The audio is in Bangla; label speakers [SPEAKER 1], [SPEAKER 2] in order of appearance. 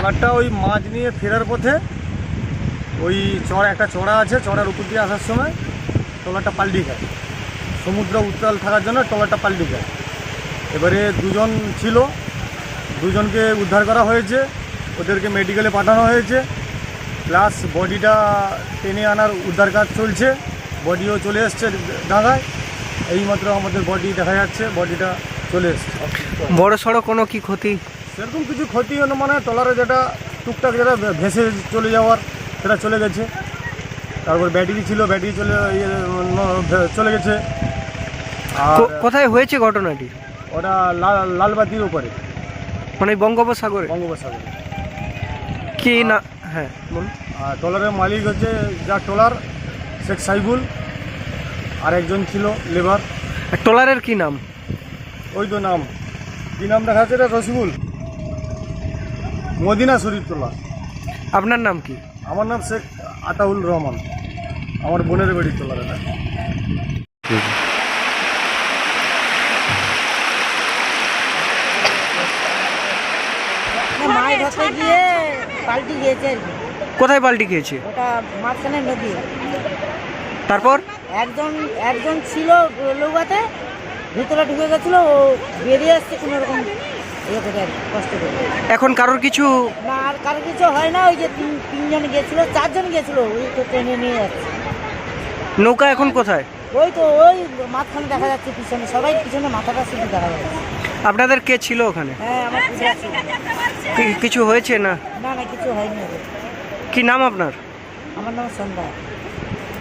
[SPEAKER 1] ট্রলারটা ওই মাছ নিয়ে ফেরার পথে ওই একটা চড়া আছে, চড়ার উপর দিয়ে আসার সময় ট্রলারটা পাল্টি খায়। সমুদ্র উত্তাল থাকার জন্য ট্রলারটা পাল্টি খায়। এবারে দুজন ছিল, দুজনকে উদ্ধার করা হয়েছে, ওদেরকে মেডিকেলে পাঠানো হয়েছে, প্লাস বডিটা টেনে আনার উদ্ধার কাজ চলছে। বডিও চলে এসছে ডাঙায়, এইমাত্র আমাদের বডি দেখা যাচ্ছে, বডিটা চলে এসছে।
[SPEAKER 2] বড় সড়ো কোনো কি ক্ষতি?
[SPEAKER 1] সেরকম কিছু ক্ষতি হলো মানে ট্রলারে যেটা টুকটাক যেটা ভেসে চলে যাওয়ার সেটা চলে গেছে। তারপর ব্যাটারি ছিল, ব্যাটারি চলে গেছে। আর
[SPEAKER 2] কোথায় হয়েছে ঘটনাটি?
[SPEAKER 1] ওটা লালবাতির উপরে,
[SPEAKER 2] মানে বঙ্গোপসাগরে?
[SPEAKER 1] বঙ্গোপসাগরে।
[SPEAKER 2] কি না, হ্যাঁ বলুন।
[SPEAKER 1] আর ট্রলারের মালিক হচ্ছে যা ট্রলার শেখ সাইবুল, আর একজন ছিল লেবার।
[SPEAKER 2] ট্রলারের কি নাম?
[SPEAKER 1] ওই তো নাম, কি নাম দেখা যাচ্ছে, এটা রসিবুল, মদিনা শরীফ ট্রলার।
[SPEAKER 2] আপনার নাম কি?
[SPEAKER 1] আমার নাম শেখ আতাউল রহমান, আমার বোনের বাড়ির ট্রলার এটা।
[SPEAKER 3] মাছ ধরতে গিয়ে পাল্টি গিয়েছে আর কি।
[SPEAKER 2] কোথায় পাল্টি খেয়েছে?
[SPEAKER 3] ওটা মাঝখানে নদী।
[SPEAKER 2] তারপর
[SPEAKER 3] একজন ছিল নৌকাতে, ভিতরে ঢুকে গেছিল, ও বেরিয়ে আসছে কোনো রকম ইয়ে করে আর কি, কষ্ট করে।
[SPEAKER 2] এখন কারোর কিছু?
[SPEAKER 3] না, আর কারো কিছু হয় না। ওই যে তিনজন গেছিল, চারজন গেছিল, ওই তো ট্রেনে নিয়ে যাচ্ছে।
[SPEAKER 2] নৌকা এখন কোথায়?
[SPEAKER 3] ওই তো ওই মাঝখানে দেখা যাচ্ছে, পিছনে সবাই পিছনে মাথাটা শুধু দেখা যাচ্ছে।
[SPEAKER 2] আপনাদের কে ছিল ওখানে?
[SPEAKER 3] হ্যাঁ, আমার পূজা ছিল।
[SPEAKER 2] কিছু হয়েছে না?
[SPEAKER 3] না, কিছু হয়নি ওদের।
[SPEAKER 2] কি নাম আপনার?
[SPEAKER 3] আমার নাম সন্ধ্যা।